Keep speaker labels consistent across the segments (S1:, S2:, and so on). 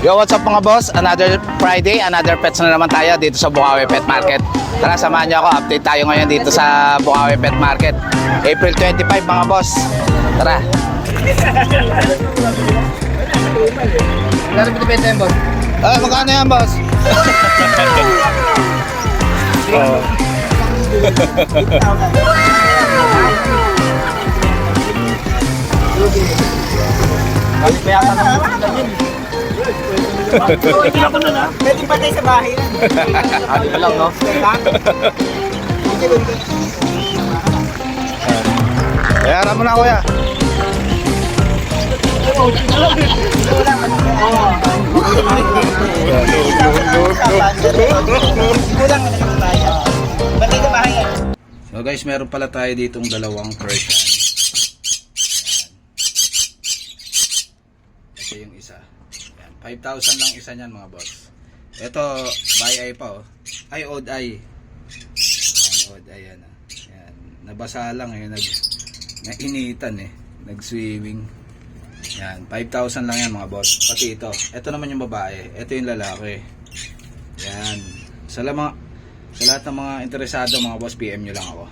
S1: Yo, what's up mga boss? Another Friday, another pets na naman tayo dito sa Bukawi Pet Market. Tara, samahan niyo ako. Update tayo ngayon dito sa Bukawi Pet Market. April 25 mga boss. Tara.
S2: Magkano binibenta yan, boss?
S1: Magkano yan, boss?
S2: Balik pa yata ng bukitan yun. Hindi ako nun, ha? Pwede patay sa bahay lang.
S1: Ano pa lang, no? Bayaran mo na, kuya. So guys, meron pala tayo ditong dalawang Persian. Ito yung isa. Yan, 5,000 lang isa niyan mga boss. Ito, by eye pa oh. Ay, odd eye. Yan, odd eye yan. Yan, nabasa lang eh, nainitan eh. Nag-swimming. Yan, 5,000 lang yan mga boss. Pati ito. Ito naman yung babae. Ito yung lalaki. Yan. Sa lahat ng mga interesado mga boss, PM nyo lang ako.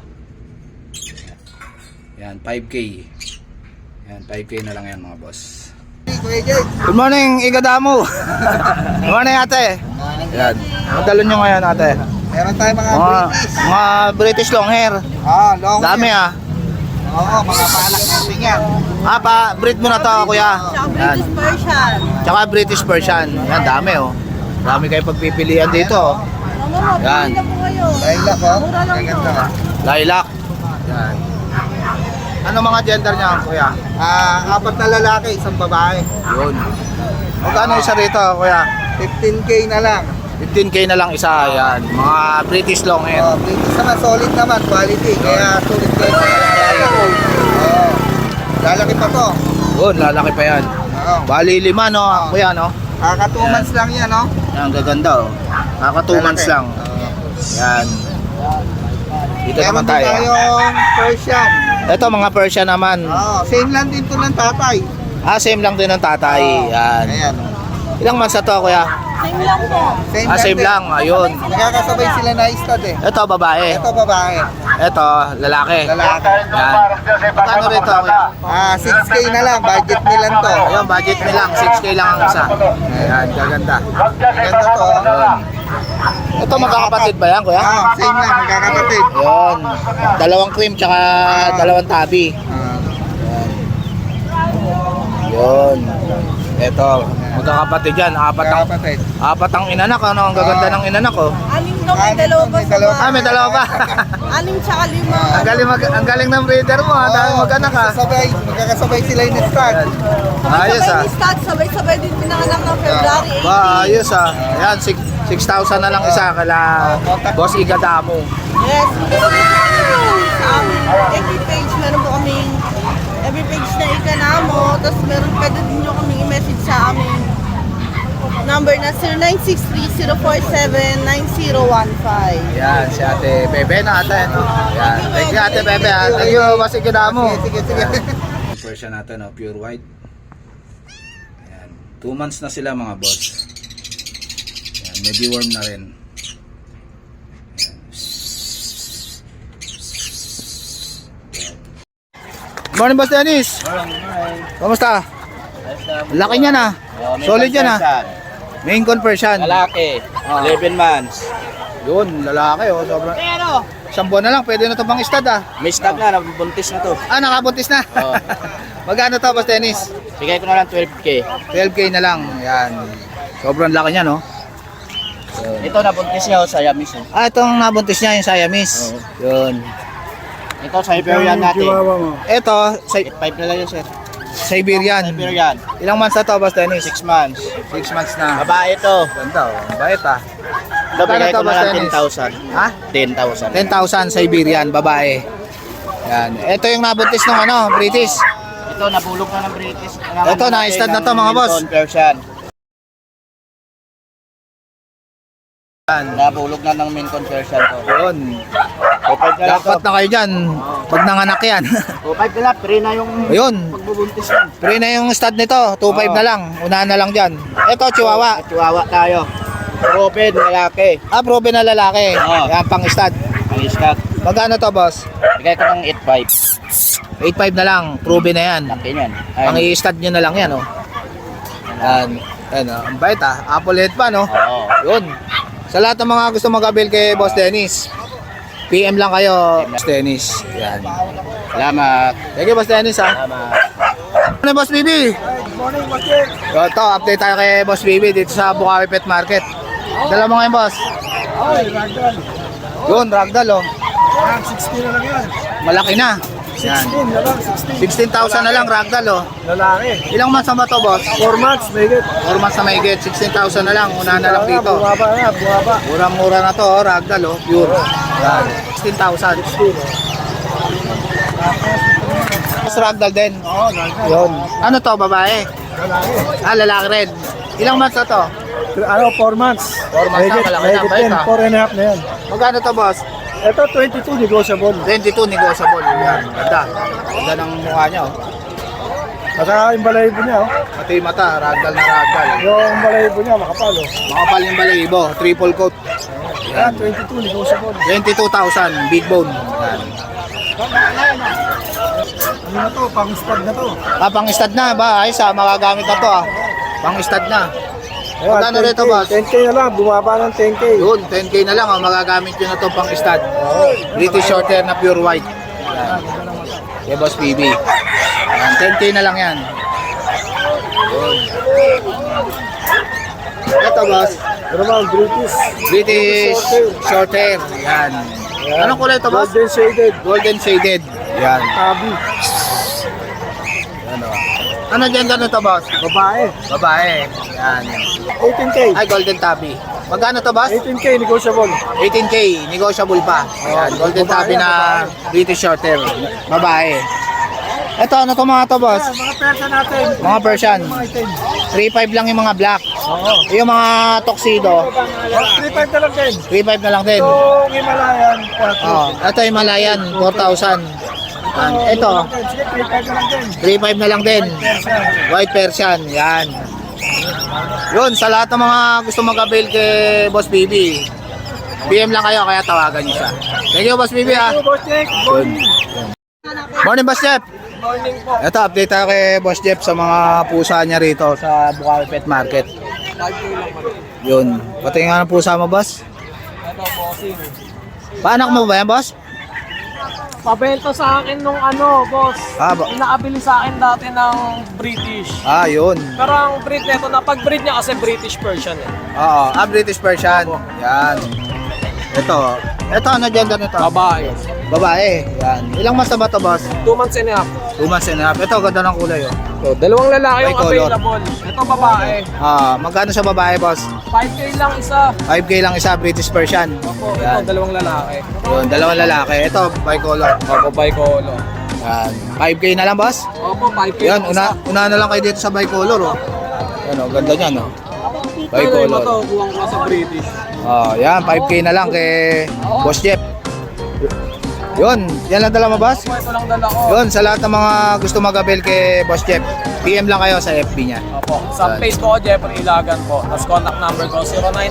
S1: Yan, 5K. Yan, 5K na lang yan mga boss. Good morning, Igadamo. Good morning ate. Yan. Magdalo nyo ngayon ate.
S2: Meron tayo mga
S1: Mga British long hair.
S2: long
S1: Dami ah.
S2: Oo, mga paanak natin yan.
S1: Breed mo na to kuya. Yan.
S3: British Persian.
S1: Tsaka British Persian. Yan, dami oh. Dami kayo pagpipilian dito oh. Yan.
S2: Lilac, oh.
S3: Mura lang
S2: Ang ganda.
S1: Lilac. Yan. Ano mga gender niya kuya?
S2: Apat na lalaki, isang babae.
S1: Yun. Magkano isa rito kuya?
S2: 15K na lang.
S1: 15K na lang isa. Yan. Mga British long hair.
S2: Oh, British naman, solid naman, quality. Kaya solid kayo sa lalaki. Oh. Lalaki pa to.
S1: Yun, lalaki pa yan.
S2: Oo.
S1: Bali 5 no kuya no?
S2: Kaka 2 months lang yan, no?
S1: Yan, gaganda oh. Naka 2 months lang. Yan. Dito naman tayo.
S2: Meron din tayong Persian.
S1: Ito mga Persian naman.
S2: Same lang din to ng tatay.
S1: Same lang din ng tatay. Yan.
S2: Ayan.
S1: Ilang months na to kuya?
S3: Same lang po.
S1: Same
S2: din.
S1: lang. Ayun.
S2: Nagkakasabay sila na istad eh.
S1: Ito babae.
S2: Ito babae.
S1: Ito lalaki.
S2: Lalaki.
S1: Yan. Magkano rito kuya?
S2: 6K na lang, budget nilan to.
S1: Ayun, budget mo lang. 6K lang ang isa. Ayan, gaganda.
S2: Ganda to.
S1: Ayun. Ito magkakapatid ba yan kuya?
S2: Same lang, magkakapatid.
S1: Ayun. Dalawang cream tsaka dalawang tabi. Yun. Ito, magkakapatid yan.
S2: Magkakapatid.
S1: Apat ang inanak. Ano? Ang gaganda ng inanak oh.
S3: Anim daw, may dalawa pa sa bahay.
S1: May dalawa pa.
S3: Anim tsaka 5.
S1: ang galing ng breeder mo ha. Dahil mag-anak ha.
S2: Magkakasabay sila yung start.
S1: Ayos
S3: Sabay-sabay
S1: ah.
S3: ni Stat, sabay-sabay din pinanganak ng February 18.
S1: Ba, ayos ah. Ayan, 6,000 na lang isa kala Boss Igadamo.
S3: Yes. Sa aming FB page, meron po kaming FB page na Iganamo. Tapos meron pwede din nyo kaming i-message sa aming number na 0963-047-9015.
S1: Yan, si Ate Bebe na ate. No? Yan, thank you Ate Bebe ha. Thank you Boss Igadamo.
S2: Sige.
S1: Version natin, no? Pure white. Ayan. 2 months na sila mga boss. Ayan, medyo warm na rin. Ayan. Good morning Boss Dennis. Kamusta? Laki niya na. Solid yan ha. Main conversion.
S2: Lalaki, 11 months.
S1: Yun, lalaki oh. Sobrang. Isang buwan na lang, pwede na ito pang stud ah.
S2: May stop na, nabubuntis na to.
S1: Nakabuntis na.
S2: Oo.
S1: Magkano to Boss Dennis?
S2: Bigay ko na lang 12K.
S1: 12K na lang. Yan. Sobrang laki niya no.
S2: Ito nabuntis niya sa Yamis.
S1: Itong nabuntis niya yung Siamese. Yun.
S2: Ito sa Iberian natin.
S1: Ito,
S2: 5 na lang yun, sir.
S1: Siberian.
S2: Iberian,
S1: Ilang months na to, Boss Dennis?
S2: 6 months.
S1: 6 months na.
S2: Babae ito.
S1: Ganda oh. Bait ah.
S2: Ito bigay ko
S1: Boss
S2: na lang
S1: Dennis?
S2: 10,000.
S1: Ha?
S2: 10,000.
S1: 10,000 Siberian, babae. Yan. Ito yung nabuntis ng British.
S2: Ito nabulok na ng British.
S1: Ito, na-stud na to, mga boss.
S2: Persian.
S1: Yan.
S2: Nabulog na ng main conversion ko.
S1: Yun.
S2: 2.5 na lang to.
S1: Dapat na kayo dyan. Pag nanganak yan.
S2: 2.5 na lang, pre na yung
S1: Ayun.
S2: pagbubuntis yan.
S1: Pre na yung stud nito. 2.5 na lang. Unahan na lang dyan. Ito, Chihuahua.
S2: Chihuahua tayo. Proven, lalaki.
S1: Proven na lalaki.
S2: Oo.
S1: Yan, pang stud.
S2: Ang iskat.
S1: Magkano to, boss?
S2: Bigay ko ng 8.5.
S1: 8.5 na lang. Proven na yan.
S2: Laki yan.
S1: Ang i-stud nyo na lang yan, oh. Yan. Yan, oh. Ang bait, ah. Apple head pa, no?
S2: Oo.
S1: Yun. Sa lahat ng mga gusto mag-avail kay Boss Dennis, PM lang kayo, Boss Dennis. Yan.
S2: Salamat.
S1: Thank you, Boss Dennis, ha.
S2: Salamat.
S1: Ano, Boss BB?
S2: Good morning, Boss Jake.
S1: Ito, update tayo kay Boss BB dito sa Bukawi Pet Market. Dala mo ngayon, Boss.
S2: Ay, ragdoll.
S1: Yun, ragdoll, oh.
S2: 16 na lang yan.
S1: Malaki na. Yan.
S2: 16 na lang,
S1: 16,000 na lang, ragdoll, oh.
S2: Lalaki.
S1: Ilang months na ba to, Boss?
S2: 4 months, may get.
S1: 4 months na mahigit. 16,000 na lang. Una na lang dito.
S2: Bumaba na, bumaba.
S1: Murang-mura na to, oh. Ragdoll, oh. Pure. Yan. 16,000. Mas ragdoll din.
S2: Oo, ragdoll.
S1: Yun. Ano to, babae?
S2: Lalaki.
S1: Lalaki rin. Ilang months na to?
S2: Ano, 4 months.
S1: 4 months na, malaki na, bait, ah.
S2: 4 and a half na yan.
S1: Magkano to, boss?
S2: Ito, 22 negotiable.
S1: 22 negotiable. Yan, ganda. Ganda ng mukha niya, oh.
S2: Saka yung balahibo niya, oh.
S1: Pati yung mata, ragdoll na ragdoll.
S2: Yung balahibo niya, makapal, oh.
S1: Makapal yung balahibo, triple coat.
S2: Yan, 22 negotiable.
S1: 22,000, big bone. Yan.
S2: Ano na to, pang stud na to.
S1: Pang stud na ba? Ayos, magagamit na to, ah. Pang stud na.
S2: Ayan,
S1: Magkano
S2: 10K,
S1: rito, boss?
S2: 10K na lang, bumaba ng 10K.
S1: Yun, 10k na lang, oh. Magagamit yun na to pang stud. British Shorthair na pure white. Yan. Kaya Boss PB. Yan, 10k na lang yan. Yun. Ito, boss.
S2: Ano ba,
S1: British Shorthair. Yan. Anong kulay ito, boss?
S2: Golden shaded.
S1: Golden shaded. Yan.
S2: Tabi.
S1: Ano? Ano dyan ganito, boss?
S2: Babae.
S1: Babae. Yan.
S2: 18K.
S1: Ay, golden tabby. Magkano to, boss?
S2: 18K negotiable.
S1: 18k, negotiable pa. Yan, golden tabby na British Shorthair. Babae. Ito, ano to mga to, boss?
S2: Mga persa natin.
S1: Mga Persian.
S2: Mga itim.
S1: 3.5 lang yung mga black.
S2: Oo.
S1: Yung mga tuxedo,
S2: 3.5 na lang din.
S1: 3.5 na lang din.
S2: Itong Himalayan, 4.
S1: Oh, ito Himalayan, 4,000. Yan. Ito,
S2: Sige, 3.5 na lang din.
S1: 3.5 na lang din.
S2: Persa.
S1: White Persian, yan. Yun, sa lahat ng mga gusto mag-avail kay Boss BB, PM lang kayo, kaya tawagan niyo siya. Thank you, Boss BB, ah.
S2: Hello, Boss Jake. Good morning.
S1: Morning, Boss Jeff.
S2: Morning po.
S1: Ito, update tayo kay Boss Jeff sa mga pusa niya rito sa Bukawi Pet Market. Yun. Pati nga ng pusa mo, boss?
S2: Ito, bossing.
S1: Paanak mo ba yan, boss?
S4: Pabenta sa akin nung ano, boss.
S1: Ba?
S4: Inaabili sa akin dati ng British.
S1: Yun.
S4: Pero ang breed nito, napag-breed niya kasi British Persian eh.
S1: Oo. British Persian. Yan. Ito. Ito, ano gender nito?
S4: Babae.
S1: Babae. Yan. Ilang months na ba ito, boss?
S4: 2 months and a half.
S1: 2 months and a half. Ito, ganda ng kulay, oh.
S4: So, dalawang lalaki yung
S1: Bicolor.
S4: available. Ito babae.
S1: Magkano sa babae, boss?
S4: 5K lang isa.
S1: 5K lang isa, British Persian.
S4: Opo, ito
S1: Yan.
S4: dalawang lalaki.
S1: Yun, dalawang lalaki. Ito, bicolor.
S4: Opo, bicolor.
S1: Yan. 5K na lang, boss?
S4: Opo, 5K
S1: Yan,
S4: lang isa.
S1: una na lang kayo dito sa bicolor, oh. Yan, oh, ganda niyan, oh.
S4: Pero yung ito,
S1: Bicolor.
S4: buwang ko sa British.
S1: Yan, 5K na lang kay Boss Jeff. Yun, yan lang dala mo, boss?
S4: Opo, ito lang dala ko.
S1: Yun, sa lahat ng mga gusto mag-avail kay Boss Jeff, PM lang kayo sa FB niya.
S4: Opo, sa
S1: Yan.
S4: page ko, Jeffrey Ilagan po. Tapos contact number ko,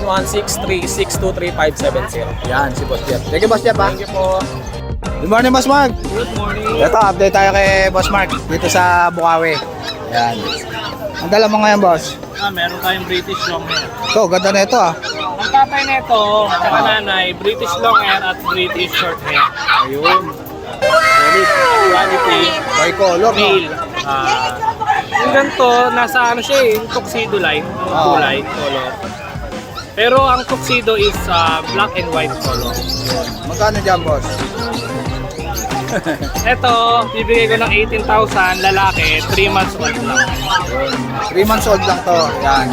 S4: 0916-3623570.
S1: Yan, si Boss Jeff. Thank you, Boss Jeff, ha?
S4: Thank you po.
S1: Good morning, Boss Mark.
S4: Good morning.
S1: Ito, update tayo kay Boss Mark dito sa Bukawi. Yan. Ang dala mo ngayon, boss?
S4: Meron tayong British long hair.
S1: Ito, ganda na ito, ah.
S4: Ang tatay nito, tsaka nanay, British long hair at British short hair.
S1: Ayun. Solid.
S4: Quality,
S1: Bicolor, no?
S4: male. Yung ganito, nasa ano siya eh, yung tuxedo line, yung kulay, color. Pero ang tuxedo is black and white color.
S1: Magkano dyan, boss?
S4: Ito, bibigay ko ng 18,000, lalaki, 3 months old lang.
S1: 3 months old lang to. Yan.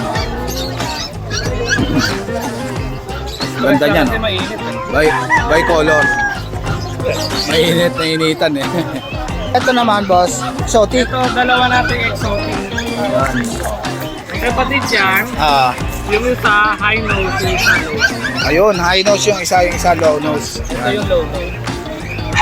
S1: Ganda niyan.
S4: Kasi mainit eh.
S1: Bicolor. Mainit na initan eh. Ito naman, boss. Exotic.
S4: Ito, dalawa nating exotic.
S1: Yan.
S4: Kapatid yan, yung isa high nose, yung isa low.
S1: Ayun, high nose yung isa low nose.
S4: Ito yung low nose.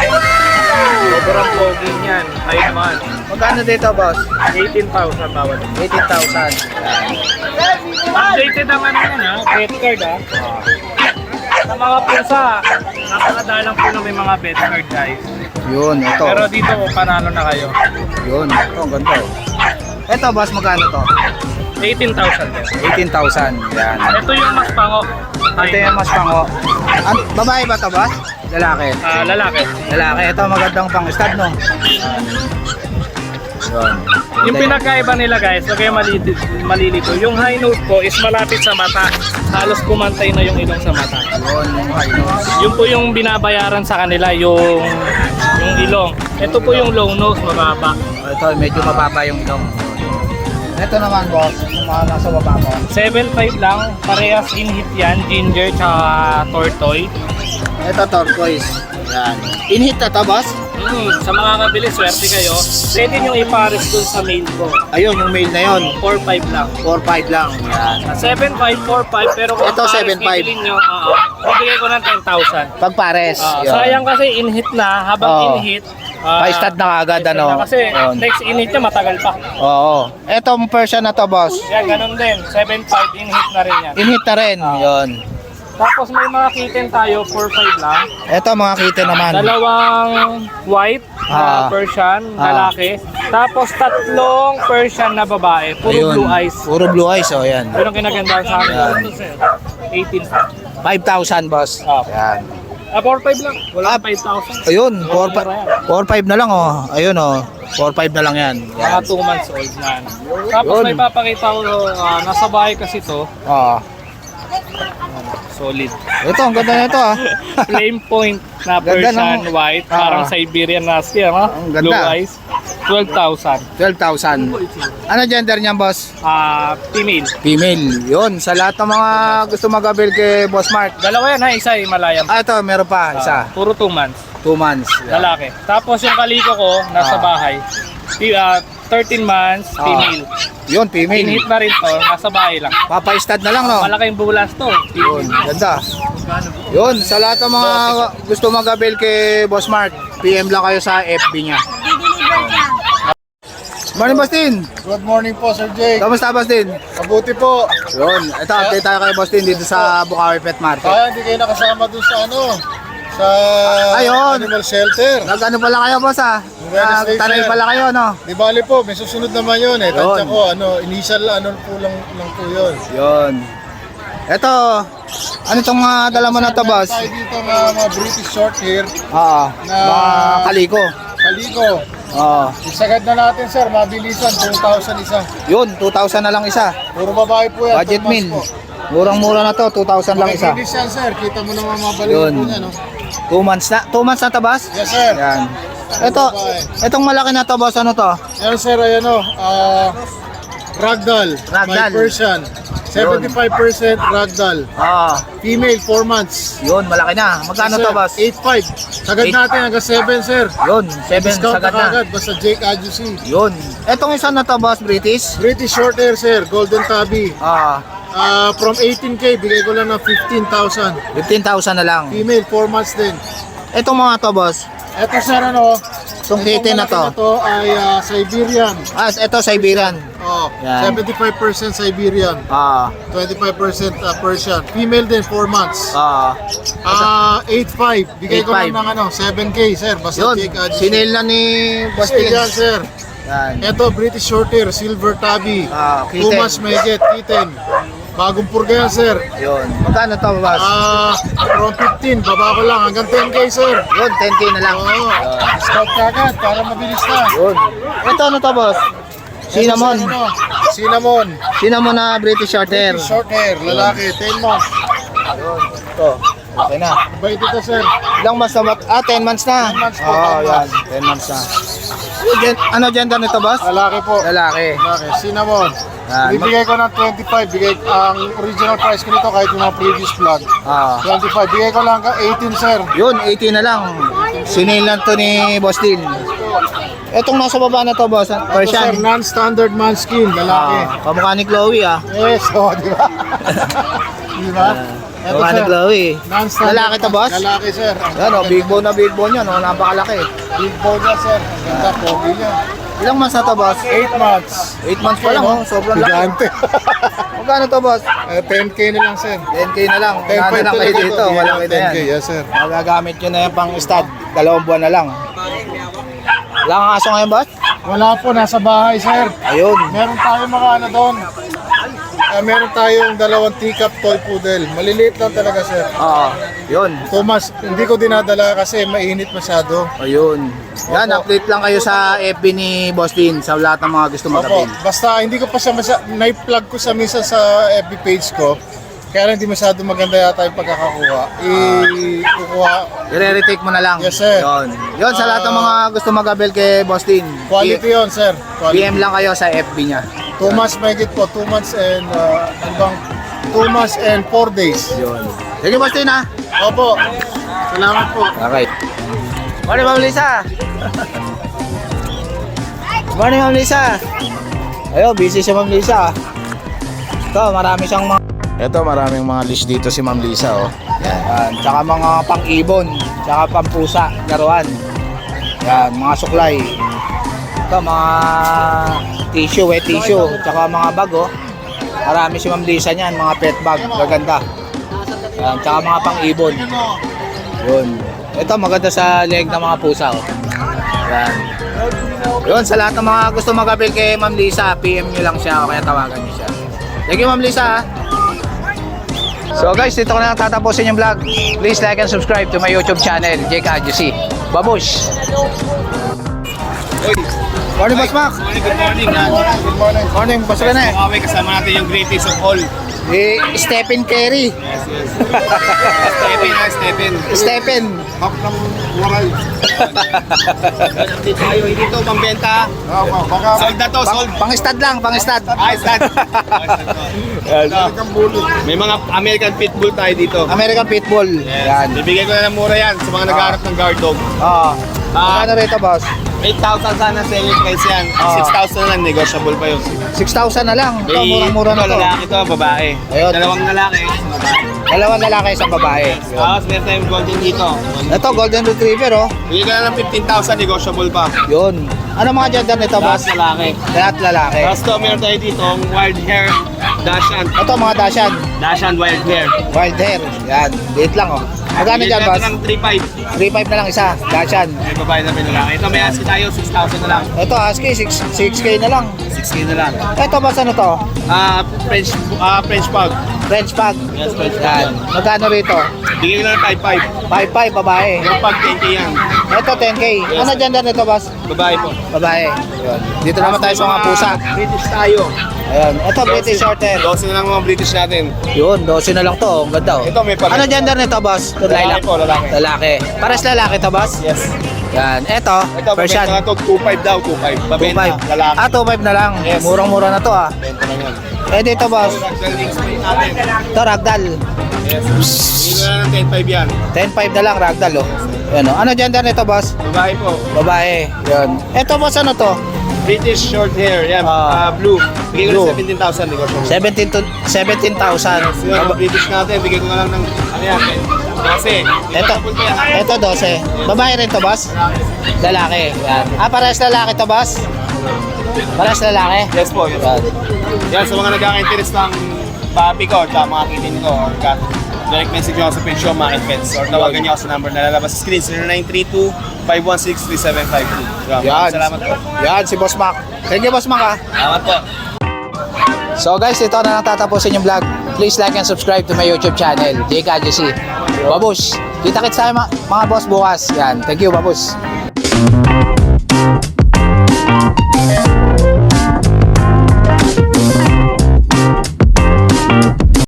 S4: Sobrang pogi niyan. 5 months.
S2: Magkano dito, boss?
S4: 18,000 bawat.
S2: 18,000.
S4: Updated ang ano yan ha, pet card ha. Sa mga pusa, napakadalang po na may mga pet card guys.
S2: Yun, ito.
S4: Pero dito, panalo na kayo.
S2: Yun, ito, ang ganda. Ito, boss, magkano to?
S4: 18,000 din.
S2: 18,000. Yan.
S4: Ito yung mas pango.
S2: Ito yung mas pango. Babae ba to, boss? Lalaki.
S4: Lalaki.
S2: Lalaki. Ito, magandang pang-stud, no? Yun.
S4: Yung pinagkaiba nila guys, lagay malilito. Yung high note ko is malapit sa mata. Halos kumantay na yung ilong sa mata.
S2: Yun, yung high nose.
S4: Yun po yung binabayaran sa kanila, yung ilong. Ito po yung low nose, mababa.
S2: Ito, medyo mababa yung ilong. Ito naman, boss, yung mga nasa baba mo.
S4: 7.5 lang, parehas in-hit yan, ginger tsaka tortoise.
S2: Ito, turquoise. Yan. In-hit na to, boss?
S4: Sa mga kabili, swerte kayo. Pwede nyo ipares dun sa mail ko.
S2: Ayun, yung male na yun.
S4: 4.5 lang.
S2: 4-5 lang. Yan.
S4: 7.5, 4.5, pero kung
S2: Ito,
S4: pares
S2: 7.5.
S4: bibilin nyo, bibigay ko ng 10,000.
S2: Pag pares. yun.
S4: Sayang kasi in-hit na, habang
S2: Oo.
S4: in-hit.
S2: Pa-stud na agad,
S4: pa-stud
S2: ano?
S4: na Kasi
S2: Yun.
S4: next in-hit nyo, matagal pa.
S2: Oo. Etong Persian na to, boss.
S4: Yan, ganun din. 7.5, in-hit na rin yan.
S2: In-hit na rin. Yun.
S4: Tapos may mga kitten tayo, 4.5 lang.
S2: Ito, mga kitten naman.
S4: Dalawang white
S2: Ah.
S4: Persian, lalaki. Tapos tatlong Persian na babae, puro
S2: Ayun.
S4: blue eyes.
S2: Puro blue eyes, oh, yan.
S4: Yun ang kinagandaan sa amin.
S2: Yan.
S4: 18.
S2: 5,000, boss.
S4: Ah.
S2: Yan.
S4: 4.5 lang. Wala
S2: Ah.
S4: 5,000.
S2: Ayun, 4-5 na lang, oh. Ayun, oh. 4-5 na lang yan.
S4: Mga 2 months old na. Tapos
S2: Yun.
S4: may papakita ko, nasa bahay kasi to,
S2: Oo.
S4: solid.
S2: Ito, ang ganda na ito, ah.
S4: Flame point na
S2: Ganda
S4: Persian
S2: ng-
S4: white, parang
S2: Ah.
S4: Siberian Husky, ha?
S2: Ang ganda.
S4: Blue eyes. 12,000.
S2: 12,000. Ano gender niyan, boss?
S4: Female.
S2: Female. Yun, sa lahat ng mga gusto mag-avail kay Boss Mark.
S4: Dalawa yan ha, isa Himalayan.
S2: Ito, meron pa, isa.
S4: Puro 2 months.
S2: 2 months. Yan.
S4: Lalaki. Tapos yung kaliko ko, nasa
S2: Ah.
S4: bahay. 13 months, female.
S2: Yun, female.
S4: In-hit na rin to, nasa bahay lang.
S2: Papa-stud na lang, no?
S4: Malaking bulas to.
S2: Yun, ganda. Yun, sa lahat ng mga gusto mag-avail kay Boss Mark, PM lang kayo sa FB niya. Morning, Bastin.
S5: Good morning po, Sir Jake.
S2: Kamusta, Bastin?
S5: Mabuti po.
S2: Yun, ito, update tayo kay Bastin dito sa Bukawi Pet Market.
S5: Kaya hindi kayo nakasama dun sa sa
S2: Ayun.
S5: animal shelter.
S2: Nag-ano pala kayo, boss, ah?
S5: Wednesday,
S2: Nagtanay
S5: sir.
S2: pala kayo, no?
S5: Di bali po, may susunod naman yun eh. Tansya
S2: Yun.
S5: ko, initial lang po yun.
S2: Yun. Ito, ano itong dala mo na to, boss?
S5: Tayo dito mga British short hair,
S2: Oo, mga kaliko.
S5: kaliko.
S2: Oo.
S5: Isagad na natin, sir, mabilisan, 2,000 isa.
S2: Yun, 2,000 na lang isa.
S5: Puro babae po yan.
S2: Budget
S5: 2 months
S2: meal.
S5: po.
S2: Murang-mura na to, 2,000 lang isa.
S5: Mabilis yan, sir. Kita mo naman mabalik
S2: Yun.
S5: po niya, no?
S2: 2 months na. 2 months na to, boss?
S5: Yes, sir.
S2: Yan. Ito, itong malaki na to, boss, ano to?
S5: Ayan, sir, Ragdoll.
S2: Ragdoll.
S5: My Persian. 75% Ragdoll.
S2: Oo.
S5: Female, 4 months.
S2: Yun, malaki na. Magkano to, boss?
S5: 8.5. Sagad
S2: Eight.
S5: natin hanggang 7, sir.
S2: Yun, 7
S5: Discount
S2: sagad
S5: na
S2: na.
S5: kagad. Basta Jake Adjusi.
S2: Yun. Itong isa na to, boss, British?
S5: British short hair, sir. Golden Tabby.
S2: Oo.
S5: From 18K, bigay ko lang ng 15,000.
S2: 15,000 na lang.
S5: Female, 4 months din.
S2: Itong mga to, boss.
S5: Eto, sir,
S2: Itong kitten na
S5: malaki
S2: to.
S5: ay Siberian.
S2: Ito, Siberian.
S5: Oh,
S2: Yan.
S5: 75% Siberian.
S2: Oo.
S5: 25% Persian. Female din, 4 months.
S2: Oo.
S5: 8.5. Bigay ko lang
S2: 8.5.
S5: ng 7K, sir. Basta
S2: Yun,
S5: Jake Adjusi.
S2: sinail na ni Boss
S5: Sir, yan,
S2: Tins.
S5: sir.
S2: Yan.
S5: Ito, British short hair, silver tabby.
S2: Kitten.
S5: 2 months may get, kitten. Bagong purga yan, sir.
S2: Yun. Magkano to, boss?
S5: From 15, baba ko lang hanggang 10K, sir.
S2: Yun, 10K na lang.
S5: Oo. Discount kagad para mabilis na.
S2: Yun. Ito, ano to, boss? Cinnamon.
S5: Ito, sir, Cinnamon.
S2: Cinnamon na British short hair.
S5: British short hair, lalaki, 10 months.
S2: Yun. Ito. Okay na.
S5: Bait ito, sir.
S2: Ilang months na ba? 10 months na.
S5: 10 months po,
S2: Oo,
S5: 10
S2: yan. 10 months na. Ano gender nito, boss?
S5: Lalaki po.
S2: Lalaki.
S5: Lalaki, cinnamon.
S2: Yan.
S5: Bibigay ko ng 25. Bigay ang original price ko nito kahit yung mga previous vlog. 25. Bigay ko lang hanggang 18, sir.
S2: Yun, 18 na lang. Sinail lang to ni Boss Din. Etong nasa baba na to, boss.
S5: Ito, sir,
S2: Persian.
S5: non-standard manskin, lalaki.
S2: Kamukha ni Chloe, ah.
S5: Yes, di ba? Di ba? Ito,
S2: Mukha ni
S5: sir.
S2: Chloe.
S5: Non-standard.
S2: Lalaki to, boss?
S5: Lalaki, sir.
S2: Yan o, big bone yan o, napakalaki.
S5: Big bone niya, sir. Ganda, pogi niya.
S2: Ilang months na to, boss?
S5: 8 months.
S2: 8 months pa lang o, sobrang laki.
S5: Gigante.
S2: Magkano to, boss?
S5: 10K na lang, sir.
S2: 10K na lang.
S5: 10.5
S2: Ano lang kayo dito, walang kita
S5: 10K,
S2: yan.
S5: yes, sir.
S2: Magagamit nyo na yan pang stud, 2 buwan na lang. Wala kang aso ngayon, boss?
S5: Wala po, nasa bahay, sir.
S2: Ayun.
S5: Meron tayong mga ano doon. Meron tayong 2 teacup toy poodle. Maliliit lang talaga, sir.
S2: Oo, yun.
S5: Thomas, hindi ko dinadala kasi mainit masyado.
S2: Ayun. Yan, update lang kayo sa FB ni Boss Din sa lahat ng mga gusto
S5: Opo,
S2: mag-avail.
S5: basta hindi ko pa siya na-plug ko sa misa sa FB page ko. Kaya lang hindi masyado maganda yata yung pagkakakuha. Kukuha.
S2: I-retake mo na lang.
S5: Yes, sir.
S2: Yun. Yun, sa lahat ng mga gusto mag-avail kay Boss Din.
S5: Quality yon, sir. Quality.
S2: PM lang kayo sa FB niya.
S5: 2 months mahigit po. 2 months and, ano bang, 2 months and 4 days.
S2: Yun. Sige, Boss Din, ha?
S5: Opo. Salamat po.
S2: Okay. Morning, Ma'am Lisa. Morning, Ma'am Lisa. Ayun, busy si Ma'am Lisa. Ito, maraming mga list dito si Ma'am Lisa, oh. Yan. Tsaka mga pang-ibon, tsaka pang-pusa, laruan. Yan, mga suklay. Ito, mga tissue, wet tissue, tsaka mga bag, oh. Marami si Ma'am Lisa niyan, mga pet bag, gaganda. Yan, tsaka mga pang-ibon. Yun. Ito, maganda sa leg ng mga pusa, oh. Yan. Yun, sa lahat ng mga gusto mag-avail kay Ma'am Lisa, PM nyo lang siya o kaya tawagan nyo siya. Thank you, Ma'am Lisa. So guys, dito ko na tatapusin yung vlog. Please like and subscribe to my YouTube channel, Jake Adjusi. Babush! Morning, Boss Mac!
S4: Good morning.
S5: Good morning.
S2: Morning, Boss Rene.
S4: Okay, kasama natin yung greatest of all.
S2: Stephen Carey.
S4: Stephen.
S2: Stephen.
S5: Hap ng waray.
S4: Update tayo, hindi to pambenta.
S5: Baka
S4: Sold na to, sold.
S2: Pang-stud lang, pang-stud.
S4: Ay, stud.
S5: kang bully.
S4: May mga American Pitbull tayo dito.
S2: American Pitbull. Yan.
S4: Bibigay ko na ng mura yan sa mga naghahanap ng guard dog.
S2: Oo. Magkano rito, boss?
S4: 8,000 sana selling price yan. 6,000 na lang, negotiable pa yun.
S2: 6,000 na lang. Ito,
S4: May
S2: murang-mura na to.
S4: lalaki to, babae.
S2: Ayun.
S4: Dalawang lalaki, isang babae.
S2: Dalawang lalaki, isang babae.
S4: Tapos meron tayong golden dito.
S2: Ito, Golden Retriever, oh.
S4: Bigay ko na ng 15,000, negotiable pa.
S2: Yun. Ano mga gender nito,
S4: Tapos
S2: boss?
S4: lalaki.
S2: Lahat lalaki.
S4: Tapos to, meron tayo dito, wild hair, Dashan.
S2: Ito, mga Dashan.
S4: Dashan wild hair.
S2: Wild hair. Yan. Liit lang, oh. Magkano dyan, boss?
S4: ng 3,500.
S2: 3,500 na lang isa. Dashan.
S4: May babae na may lalaki. Ito may ask tayo, 6,000 na lang.
S2: Ito, husky, 6K na lang.
S4: 6K na lang.
S2: Ito, boss, ano to?
S4: French pug.
S2: French pug.
S4: Yes, French pug.
S2: Yan. Magkano rito?
S4: Bigay ko na ng 5,500.
S2: 5,500, babae.
S4: Yung pug 10K yan.
S2: Ito, 10K. Ano gender nito, boss?
S4: Babae po.
S2: Babae. Yun. Dito naman tayo sa mga pusa.
S4: British tayo.
S2: Ayun. Ito, British Shorthair.
S4: 12 na lang mga British natin.
S2: Yun, 12 na lang to. Ang ganda, oh.
S4: Ito, may pag-
S2: Ano gender nito, boss?
S4: Lalaki po, lalaki.
S2: Lalaki. Pares lalaki to, boss?
S4: Yes.
S2: Yan. Ito,
S4: Ito,
S2: Persian.
S4: pabenta na to, 2,500 daw, 2,500. Pabenta,
S2: 2,500.
S4: lalaki.
S2: Ah, 2,500 na lang.
S4: Yes.
S2: Murang-mura na to, ah.
S4: Benta lang yan.
S2: Eh, dito, boss.
S4: Ragdoll spray natin.
S2: Ito, ragdoll.
S4: Yes. Bigay ko na ng 10,500 yan.
S2: 10,500 na lang, ragdoll, oh. Yan, oh. Ano gender nito, boss?
S4: Babae po.
S2: Babae. Yan. Ito, boss, ano to?
S4: British short hair, yan.
S2: Ah.
S4: Blue. Bigay ko
S2: Blue.
S4: ng 17,000. Negotiable.
S2: 17,000.
S4: Yung mga British natin, bigay ko na lang ng, ano yan, 12.
S2: Ito, ito 12. Babae rin to, boss? Lalaki. Yan. Ah, parehas lalaki to, boss? Parehas lalaki?
S4: Yes po, yes.
S2: Yan.
S4: Yan, sa mga nagkaka-interest ng papi ko, tsaka mga kitin ko, or direct message nyo ako sa page ko, Market Pets, or tawagan nyo ako sa number na lalabas sa screen, 0932-516-3752.
S2: Yan.
S4: Salamat po.
S2: Yan, si Boss Mac. Thank you, Boss Mac, ah.
S4: Salamat po.
S2: So guys, ito na lang tatapusin yung vlog. Please like and subscribe to my YouTube channel, Jake Adjusi. Babush! Kita-kits tayo mga boss bukas. Yan. Thank you, babush.